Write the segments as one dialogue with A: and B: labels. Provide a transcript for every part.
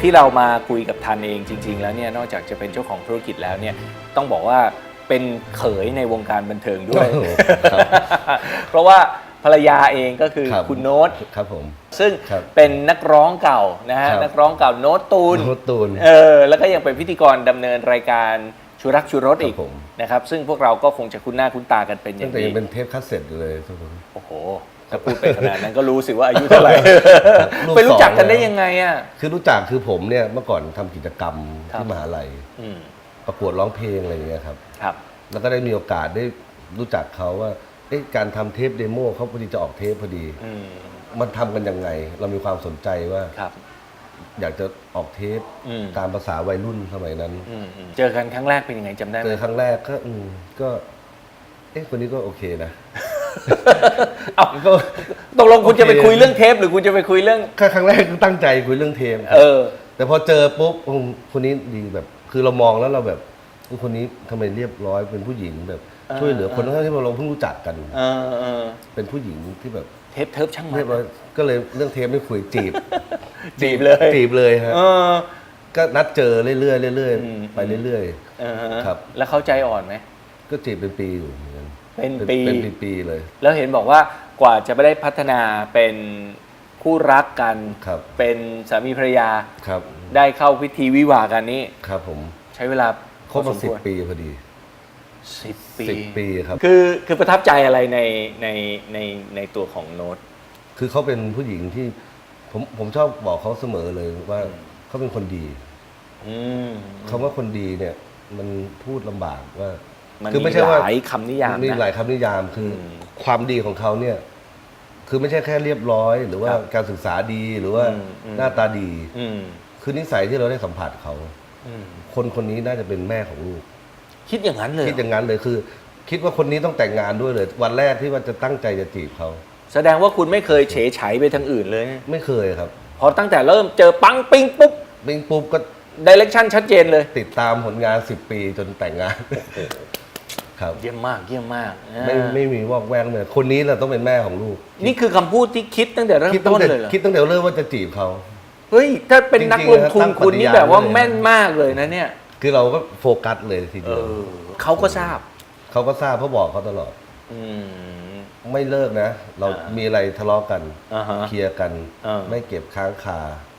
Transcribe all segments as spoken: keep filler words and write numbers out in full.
A: ที่เรามาคุยกับทันเองจริงๆแล้วเนี่ยนอกจากจะเป็นเจ้าของธุรกิจแล้วเนี่ยต้องบอกว่าเป็นเขยในวงการบันเทิงด้วย เพราะว่าภรรยาเองก็คือ
B: ครับ
A: คุณโน้ต
B: ครับผม
A: ซึ่ง
B: ครับ
A: เป็นนักร้องเก่านะฮะ
B: ครับ
A: นักร้องเก่าโน้ตตูน
B: โน้ตตูน
A: เออแล้วก็ยังเป็นพิธีกรดำเนินรายการชูรักชูรสอีก
B: ครับผม
A: นะครับซึ่งพวกเราก็คงจะคุ้นหน้าคุ้นตากันเป็นอย่า
B: ตั้ง
A: ง
B: แต่
A: ดี
B: ยังเป็นเทปคัสเซ็ตอยู่เลยทุกคน
A: โอ้โหถ้าพูดไปขนาดนั้นก็รู้สิว่าอายุเท่าไหร่
B: ลูก
A: ไปรู้จักกัน
B: สอง
A: ได้
B: แล้ว
A: ยังไงอ่ะ
B: คือรู้จักคือผมเนี่ยเมื่อก่อนทำกิจกรรม
A: ครับ
B: ที่มหาลัย
A: อืม
B: ประกวดร้องเพลงอะไรอย่างเงี้ยครับ
A: ครับ
B: แล้วก็ได้มีโอกาสได้รู้จักเขาว่าเอ๊ะการทำเทปเดโมเขาพอดีจะออกเทปพอดี
A: อืม
B: มันทำกันยังไง เรามีความสนใจว่า
A: ครับ
B: อยากจะออกเทป
A: อืม
B: ตามภาษาวัยรุ่นสมัยนั้น
A: อืมอืมเจอกันครั้งแรกเป็นยังไงจำได้ไห
B: เจ
A: ม
B: อครั้งแรกก็อืมก็เอ๊ะคนนี้ก็โอเคนะ
A: เอ้า
B: ก็
A: ตกลงคุณจะไป
B: โอเค
A: คุยเรื่องเทปหรือคุณจะไปคุยเรื่อง
B: แค่ครั้งแรกก็ตั้งใจคุยเรื่องเทปครับ
A: เออ
B: แต่พอเจอปุ๊บอืมคนนี้ดีแบบ คือเรามองแล้วเราแบบคนนี้ทำไมเรียบร้อยเป็นผู้หญิงแบบ
A: เออ
B: ช่วยเหลือคน
A: เออ
B: ทั้งที่เราเพิ่งรู้จักกัน
A: เออเออ
B: เป็นผู้หญิงที่แบบ
A: เทปเทิบช่างมั
B: เรียบร้อย
A: น
B: ก็เลยเรื่องเทปไม่คุยจีบ
A: จีบเลย
B: จีบเลยฮะ
A: เออ
B: ก็นัดเจอเรื่อยๆเรื่อย
A: อืม
B: ๆไปเรื่อย
A: เออฮะ
B: ครับ
A: แล้วเขาใจอ่อนไหม
B: ๆ ก็จีบเป็นปีอยู่เหมือนกัน
A: เป็นปี
B: เป็นปีๆเลย
A: แล้วเห็นบอกว่ากว่าจะไม่ได้พัฒนาเป็นคู่รักกัน
B: ครับ
A: เป็นสามีภรรยา
B: ครับ
A: ได้เข้าพิธีวิวาห์กันนี้
B: ครับผม
A: ใช้เวลา
B: ครบ
A: พอ
B: มา
A: ส
B: สิบ
A: ควร
B: ปีพอดี
A: สิบปี
B: สิบปีครับ
A: คือคือประทับใจอะไรในในในในตัวของโน้ต
B: คือเขาเป็นผู้หญิงที่ผมผมชอบบอกเขาเสมอเลยว่าเขาเป็นคนดี
A: อืม
B: คำว่าคนดีเนี่ย มันพูดลำบากว่า
A: มัน
B: คือ
A: มี
B: ไม่ใช่ว่า
A: หลายคำนิยาม
B: มี
A: นะ
B: หลายคำนิยามคืออ
A: ม
B: ความดีของเขาเนี่ย คือไม่ใช่แค่เรียบร้อย หรือว่า
A: ครับ
B: การศึกษาดีหรือว่า
A: อืมอืม
B: หน้าตาดี
A: อืม
B: คือนิสัยที่เราได้สัมผัสเขา
A: อืม
B: คนคนนี้น่าจะเป็นแม่ของลูก
A: คิดอย่างนั้นเลย
B: คิดอย่างนั้นเลยคือ คิดว่าคนนี้ต้องแต่งงานด้วยเลย วันแรกที่ว่าจะตั้งใจจะจีบเขา
A: แสดงว่าคุณไม่เคยเฉยไฉไปทางอื่นเลย
B: ไม่เคยครับ
A: พอตั้งแต่เริ่มเจอปังปิ้งปุ๊บ
B: บิงปุ๊บก็
A: ดิเรกชันชัดเจนเลย
B: ติดตามผลงานสิบปีจนแต่งงาน ครับ
A: เยี่ยมมากเยี่ยมมากอ่า
B: ไม่ไม่มีวอกแวกเลยคนนี้แหละต้องเป็นแม่ของลูก
A: นี่คือคำพูดที่คิดตั้งแต่เริ่ม
B: คิดตั้
A: ต้
B: ง
A: น
B: แต่
A: เลยเหรอ
B: คิดตั้งแต่เริ่มว่าจะจีบเขา
A: เฮ้ย ถ้าเป็นนักลงทุน
B: จริงๆ
A: คุณนี่
B: ตั้งปฏิญาณ
A: แบบว่า
B: เลย
A: แม่นมากเลยนะเนี่ย
B: คือเราก็โฟกัสเลยที
A: เอ
B: เดียว
A: อเขาก็ทราบ
B: เขาก็ทราบเขาบอกเขาตลอด
A: อืม
B: ไม่เลิกนะ เรา
A: อ่ามี
B: มีอะไรทะเลาะกัน
A: อ่าฮะ
B: เคลียร์กัน
A: อ่า
B: ไม่เก็บค้างคาย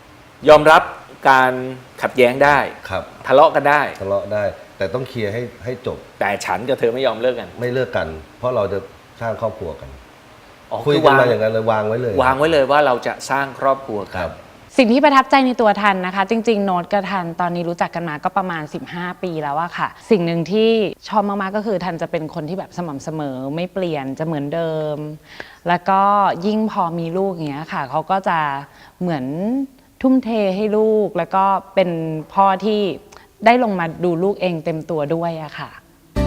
A: อมรับการขัดแย้งได้
B: ครับ
A: ทะเลาะกันได้
B: ทะเลาะได้ แต่ต้องเคลียร์ให้ให้จบ
A: แต่ฉันกับเธอไม่ยอมเลิกกัน
B: ไม่เลิกกัน เพราะเราจะสร้างครอบครัวกัน
A: อ๋อ
B: คุย
A: คือ
B: กัน
A: วาง
B: มาอย่างนั้นเลยวางไว้เลย
A: วางไว้เลยว่าเราจะสร้างครอบครัว
B: ค
A: กั
B: รั
A: น
B: บ
C: สิ่งที่ประทับใจในตัวทันนะคะ จริงๆ โน้ตกับทันตอนนี้รู้จักกันมาก็ประมาณสิบห้าปีแล้วอะค่ะ สิ่งหนึ่งที่ชอบมากๆก็คือทันจะเป็นคนที่แบบสม่ำเสมอไม่เปลี่ยนจะเหมือนเดิม แล้วก็ยิ่งพอมีลูกอย่างเงี้ยค่ะเขาก็จะเหมือนทุ่มเทให้ลูก แล้วก็เป็นพ่อที่ได้ลงมาดูลูกเองเต็มตัวด้วยอะค่ะ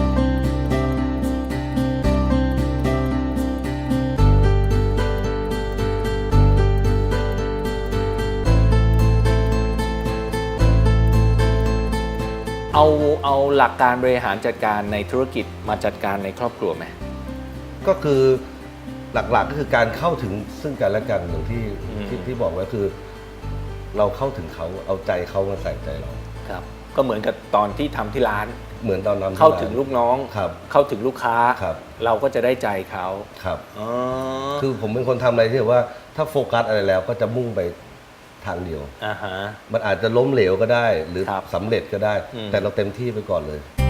A: เอาเอาหลักการบริหารจัดการในธุรกิจมาจัดการในครอบครัวไหม
B: ก็คือหลักๆก็คือการเข้าถึงซึ่งกันและกันอย่างที่
A: อืม
B: ที่ที่บอกไว้คือ เราเข้าถึงเขาเอาใจเขามาใส่ใจเรา
A: ครับ ก็เหมือนกับตอนที่ทำที่ร้าน
B: เหมือนตอนนั้น
A: เข้าถึงลูกน้อง
B: ครับ
A: เข้าถึงลูกค้า
B: ครับ
A: เราก็จะได้ใจเขา
B: ครับ
A: อ๋อ
B: คือผมเป็นคนทำอะไรที่แบบว่าถ้าโฟกัสอะไรแล้วก็จะมุ่งไปทางเดียว
A: อ่าฮะ
B: มันอาจจะล้มเหลวก็ได้ หรือ
A: ครับ
B: สำเร็จก็ได้
A: อืม
B: แต่เราเต็มที่ไปก่อนเลย